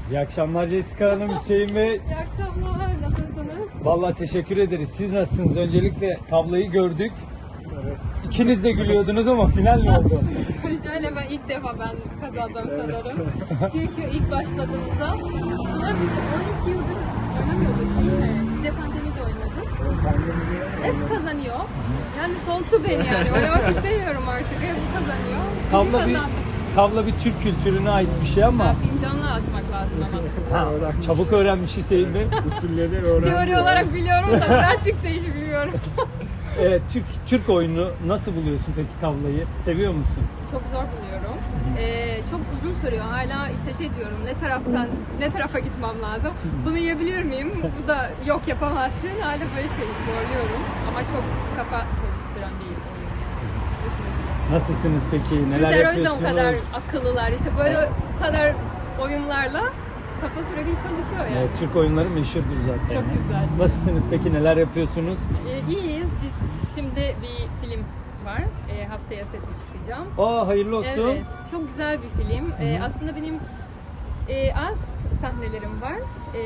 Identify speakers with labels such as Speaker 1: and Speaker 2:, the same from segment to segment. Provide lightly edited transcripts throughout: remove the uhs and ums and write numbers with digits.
Speaker 1: İyi akşamlar Jessica Hanım, Hüseyin Bey.
Speaker 2: İyi akşamlar, nasılsınız?
Speaker 1: Vallahi teşekkür ederiz. Siz nasılsınız? Öncelikle tabloyu gördük. Evet. İkiniz de gülüyordunuz ama final mi oldu?
Speaker 2: Şöyle ilk defa ben kazandım sanırım. Çünkü ilk başladığımızda Tuna biz 12 yıldır oynamıyorduk değil mi? Bir de pandemide oynadık. Hep kazanıyor. Yani soğuttu beni yani. Oynamak istemiyorum artık. Hep kazanıyor.
Speaker 1: Tavla bir Türk kültürüne ait bir şey ama.
Speaker 2: Fincanla atmak lazım ama.
Speaker 1: Çabuk öğrenmiş Hüseyin Bey.
Speaker 3: Usulleri öğrendi.
Speaker 2: Teori olarak biliyorum da pratikte hiç bilmiyorum.
Speaker 1: Evet, Türk oyunu nasıl buluyorsun peki tavlayı? Seviyor musun?
Speaker 2: Çok zor buluyorum. Çok uzun sürüyor. Hala işte diyorum ne tarafa gitmem lazım. Bunu yiyebilir miyim? Bu da yok yapamazsın. Hala böyle zorluyorum. Ama çok kafa çalıştıran bir oyun yani.
Speaker 1: Nasılsınız peki? Neler
Speaker 2: Türkler o yüzden
Speaker 1: yapıyorsunuz?
Speaker 2: o kadar akıllılar. İşte böyle bu kadar oyunlarla kafa sürekli çalışıyor yani.
Speaker 1: Evet, Türk oyunları meşhurdur zaten.
Speaker 2: Çok güzel.
Speaker 1: Nasılsınız peki? Neler yapıyorsunuz?
Speaker 2: İyiyiz. Biz şimdi bir film var. Haftaya sete çıkacağım.
Speaker 1: Hayırlı olsun.
Speaker 2: Evet, çok güzel bir film. Aslında benim az sahnelerim var.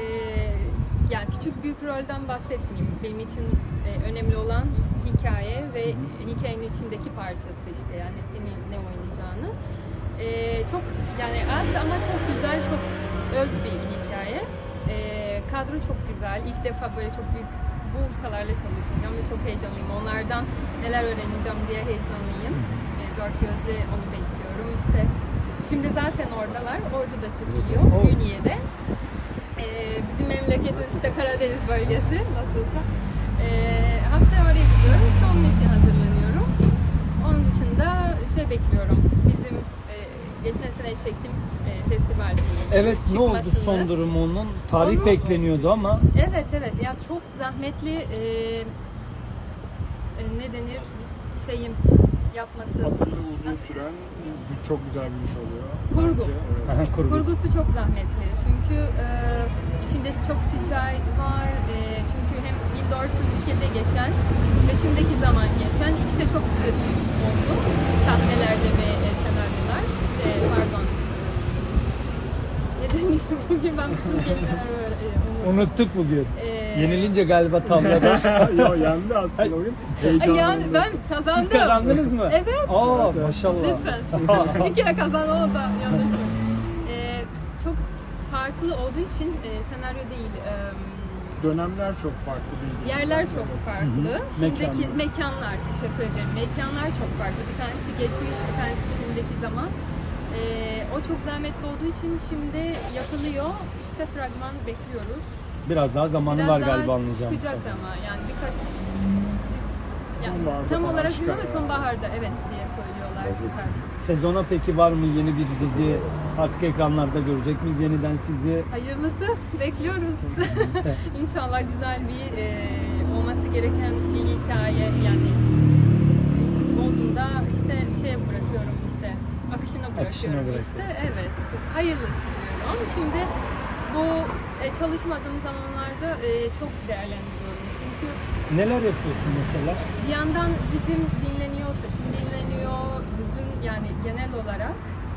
Speaker 2: Yani küçük büyük rolden bahsetmeyeyim. Benim için önemli olan hikaye ve hikayenin içindeki parçası işte yani senin ne oynayacağını. Çok yani az ama çok güzel, çok öz bir hikaye. Kadro çok güzel. İlk defa böyle çok büyük bu ustalarla çalışacağım ve çok heyecanlıyım. Onlardan neler öğreneceğim diye heyecanlıyım. Dört gözle onu bekliyorum. İşte şimdi zaten oradalar. Orada da çekiliyor. Ünye'de. Bizim memleketimiz işte Karadeniz bölgesi nasılsa. Haftaya oraya gidiyorum. İşte onun için hazırlanıyorum. Onun dışında bekliyorum. Bizim geçen sene çektiğim festival filmi.
Speaker 1: Evet, ne oldu
Speaker 2: çıkmasını.
Speaker 1: son durumu onun? Tarih bekleniyordu ama.
Speaker 2: Evet. Ya çok zahmetli ne denir yapması.
Speaker 3: Hazırlığı uzun süren çok güzel bir iş oluyor.
Speaker 2: Kurgu.
Speaker 3: Bence, evet.
Speaker 2: Kurgusu çok zahmetli. Çünkü içinde çok CGI var. Çünkü hem 1402'de geçen ve şimdiki zaman geçen ikisi de çok sık oldu. Sahnelerde ve senaryolar. Pardon. Ne demiştim bugün ben bütün kelimeleri
Speaker 1: Unuttuk bugün. Yenilince galiba tavlada.
Speaker 3: Yo yendi aslında oyun. Heyecanlı.
Speaker 2: Yani ben kazandım.
Speaker 1: Siz kazandınız mı?
Speaker 2: Evet.
Speaker 1: Maşallah.
Speaker 2: Lütfen. Bir kere kazandım o da yanlış. Çok farklı olduğu için senaryo değil.
Speaker 3: Dönemler çok farklı değil.
Speaker 2: Yerler çok farklı. Şimdiki
Speaker 1: Mekanlar.
Speaker 2: mekanlar, teşekkür ederim. Mekanlar çok farklı. Bir tanesi geçmiş, bir tanesi şimdiki zaman. O çok zahmetli olduğu için şimdi yapılıyor. İşte fragman bekliyoruz.
Speaker 1: Biraz daha zamanı var galiba anlayacağım.
Speaker 2: Çıkacak ama yani birkaç
Speaker 3: Sonbaharda
Speaker 2: tam
Speaker 3: falan
Speaker 2: olarak
Speaker 3: çıkar
Speaker 2: bilmiyorum ama
Speaker 3: yani.
Speaker 2: sonbaharda evet diye söylüyorlar çıkar.
Speaker 1: Sezona peki var mı yeni bir dizi? Artık ekranlarda görecek miyiz yeniden sizi?
Speaker 2: Hayırlısı bekliyoruz. İnşallah güzel bir olması gereken bir hikaye yani olduğunda işte bırakıyorum işte akışına bırakıyorum işte evet hayırlısı diyorum. Şimdi bu çalışmadığım zamanlarda çok değerlendiriyorum çünkü
Speaker 1: Neler yapıyorsun mesela?
Speaker 2: bir yandan ciddim dinleniyor, saçım dinleniyor, yüzüm yani genel olarak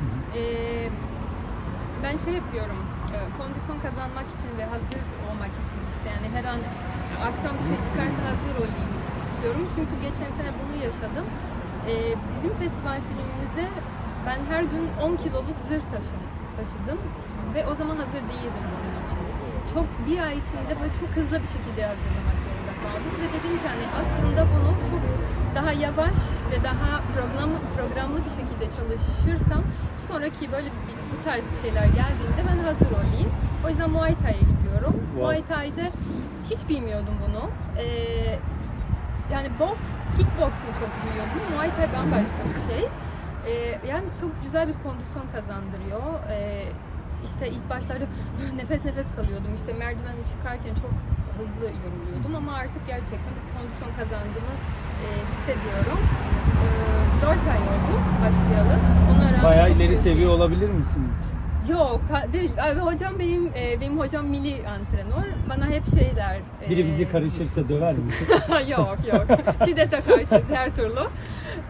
Speaker 2: ben yapıyorum kondisyon kazanmak için ve hazır olmak için işte yani her an akşam bir şey çıkarsa hazır olayım istiyorum çünkü geçen sene bunu yaşadım. Bizim festival filmimizde ben her gün 10 kiloluk zırh taşıdım ve o zaman hazır değildim bunun için. Bir ay içinde böyle çok hızlı bir şekilde hazırlamak zorunda kaldım ve dedim ki hani aslında bunu çok daha yavaş ve daha programlı bir şekilde çalışırsam sonraki böyle bu tarz şeyler geldiğinde ben hazır olayım. O yüzden Muay Thai'ye gidiyorum.
Speaker 1: Wow.
Speaker 2: Muay Thai'de hiç bilmiyordum bunu. Yani kickboxing çok biliyordum. Muay Thai bambaşka bir şey. Yani çok güzel bir kondisyon kazandırıyor. İşte ilk başlarda nefes kalıyordum. İşte merdiveni çıkarken çok hızlı yoruluyordum ama artık gerçekten bir kondisyon kazandığımı hissediyorum. 4 ay oldu başlayalı. Ona rağmen
Speaker 1: Bayağı
Speaker 2: çok
Speaker 1: ileri
Speaker 2: büyük
Speaker 1: seviye
Speaker 2: bir-
Speaker 1: olabilir misiniz?
Speaker 2: Yok değil. Abi, hocam benim hocam milli antrenör. Bana hep der.
Speaker 1: Biri bizi karışırsa döver mi?
Speaker 2: yok. Şiddete karşıyız her türlü.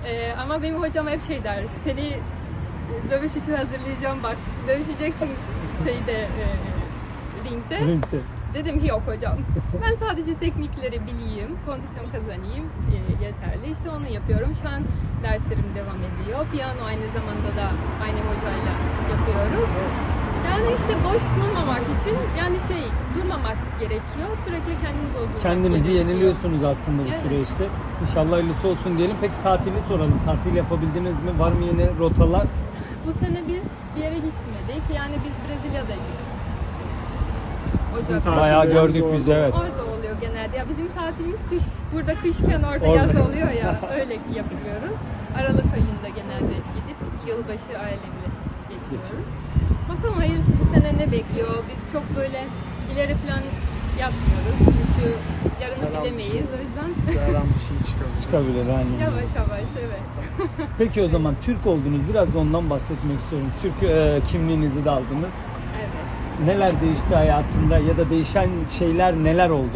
Speaker 2: Ama benim hocam hep der. Seni dövüş için hazırlayacağım bak. Dövüşeceksin şeyde ringde.
Speaker 1: Ringde.
Speaker 2: Dedim ki yok hocam. Ben sadece teknikleri bileyim, kondisyon kazanayım yeterli. İşte onu yapıyorum. Şu an derslerim devam ediyor. Piyano aynı zamanda da aynı hocayla yapıyoruz. Yani işte boş durmamak için yani durmamak gerekiyor. Sürekli kendini doldurmak
Speaker 1: Kendinizi
Speaker 2: gerekiyor.
Speaker 1: yeniliyorsunuz aslında bu
Speaker 2: Evet.
Speaker 1: süreçte. İnşallah hayırlısı olsun diyelim. Peki tatili soralım. Tatil yapabildiniz mi? Var mı yeni rotalar?
Speaker 2: Bu sene biz bir yere gitmedik. Yani biz Brezilya'daydık.
Speaker 3: Bizim
Speaker 2: Ocak'ta.
Speaker 3: tatil-
Speaker 1: Bayağı
Speaker 3: Tatillerimiz
Speaker 1: gördük biz,
Speaker 3: orada.
Speaker 1: evet.
Speaker 2: Orada oluyor genelde. Ya bizim tatilimiz kış. Burada kışken orada
Speaker 1: Orada.
Speaker 2: yaz oluyor ya. Öyle yapıyoruz. Aralık ayında genelde gidip yılbaşı ailemle geçiriyoruz. Bakalım hayırlısı bu sene ne bekliyor? Biz çok böyle ileri plan yapmıyoruz. Çünkü yarını
Speaker 3: Yalan bir
Speaker 2: bilemeyiz.
Speaker 3: şey.
Speaker 2: O yüzden
Speaker 3: Yaran bir şey çıkabilir.
Speaker 1: Çıkabilir aynen.
Speaker 2: yavaş yavaş evet.
Speaker 1: Peki o zaman Türk oldunuz. Biraz da ondan bahsetmek istiyorum. Türk kimliğinizi de aldınız.
Speaker 2: Evet.
Speaker 1: Neler değişti hayatında ya da değişen şeyler neler oldu?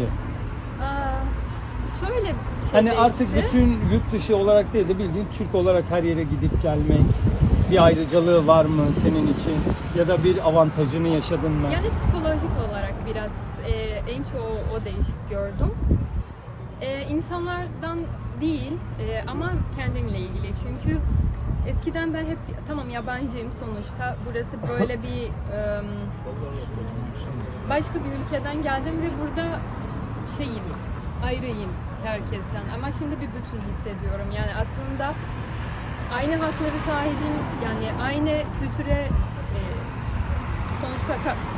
Speaker 2: Şöyle bir şey
Speaker 1: Hani
Speaker 2: değişti.
Speaker 1: artık bütün yurt dışı olarak değil de bildiğin Türk olarak her yere gidip gelmek bir ayrıcalığı var mı senin için ya da bir avantajını yaşadın mı?
Speaker 2: Yani psikolojik olarak biraz en çoğu o değişik gördüm. İnsanlardan değil ama kendimle ilgili. Çünkü eskiden ben hep tamam yabancıyım sonuçta. Burası böyle bir başka bir ülkeden geldim ve burada ayrıyım herkesten. Ama şimdi bir bütün hissediyorum. Yani aslında aynı hakları sahibim. Yani aynı kültüre sonuçta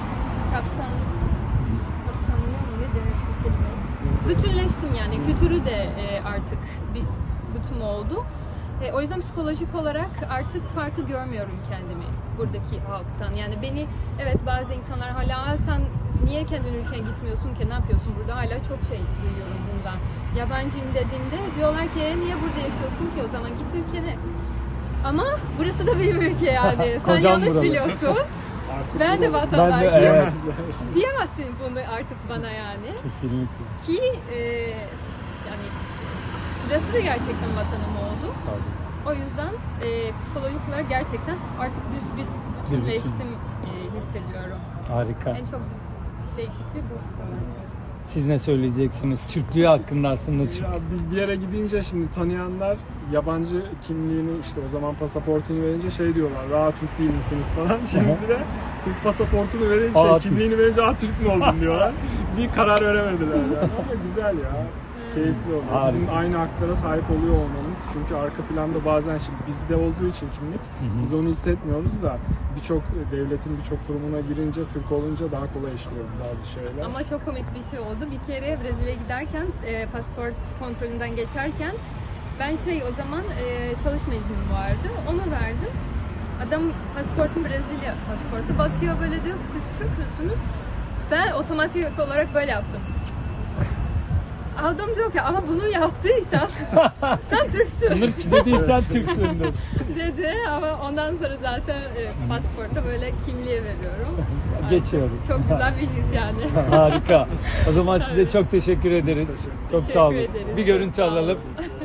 Speaker 2: kapsamlıyor mu? Ne demek bu kelime? Bütünleştim yani. Kültürü de artık bir bütün oldu. O yüzden psikolojik olarak artık farkı görmüyorum kendimi buradaki halktan. Yani beni evet bazı insanlar hala sen niye kendi ülkene gitmiyorsun ki ne yapıyorsun burada hala çok şey duyuyorum bundan. Yabancıyım dediğimde diyorlar ki niye burada yaşıyorsun ki o zaman git ülkene. Ama burası da benim ülke yani. Sen
Speaker 1: Kocam
Speaker 2: yanlış
Speaker 1: buralı.
Speaker 2: biliyorsun.
Speaker 3: Artık
Speaker 2: Ben de
Speaker 3: bu-
Speaker 2: vatandaşım.
Speaker 1: evet.
Speaker 2: Diyemezsin bunu artık bana yani.
Speaker 1: Kesinlikle.
Speaker 2: Ki yani burası da gerçekten vatanım oldu.
Speaker 1: Tabii.
Speaker 2: O yüzden psikolojik olarak gerçekten artık bir bütünleştim hissediyorum.
Speaker 1: Harika.
Speaker 2: En çok değişikliği bu.
Speaker 1: Siz ne söyleyeceksiniz? Türklüğü hakkında aslında Türk.
Speaker 3: Ya biz bir yere gidince şimdi tanıyanlar yabancı kimliğini işte o zaman pasaportunu verince şey diyorlar. Türk değil misiniz falan. Şimdi de Türk pasaportunu verince kimliğini verince Türk mü oldun diyorlar. Bir karar veremediler yani. Ama güzel ya. Keyifli oluyor.
Speaker 1: Harika.
Speaker 3: Bizim aynı haklara sahip oluyor olmamız. Çünkü arka planda bazen şimdi bizde olduğu için kimlik biz onu hissetmiyoruz da birçok devletin birçok kurumuna girince Türk olunca daha kolay işliyor bazı şeyler.
Speaker 2: Ama çok komik bir şey oldu. Bir kere Brezilya'ya giderken pasaport kontrolünden geçerken ben o zaman çalışma iznim vardı. Onu verdim. Adam pasaportum Brezilya pasaportu bakıyor böyle diyor ki siz Türk müsünüz? Ben otomatik olarak böyle yaptım. Adam diyor ki ama bunu yaptıysan sen Türksün
Speaker 1: Onur dediysen Türksündür.
Speaker 2: dedi ama ondan sonra zaten pasaporta böyle kimliğe veriyorum.
Speaker 1: Geçiyoruz.
Speaker 2: Çok güzel bir his yani.
Speaker 1: Harika. O zaman size çok teşekkür ederiz. Çok sağ olun.
Speaker 2: Teşekkür ederiz.
Speaker 1: Bir görüntü
Speaker 2: Çok sağ olun.
Speaker 1: alalım.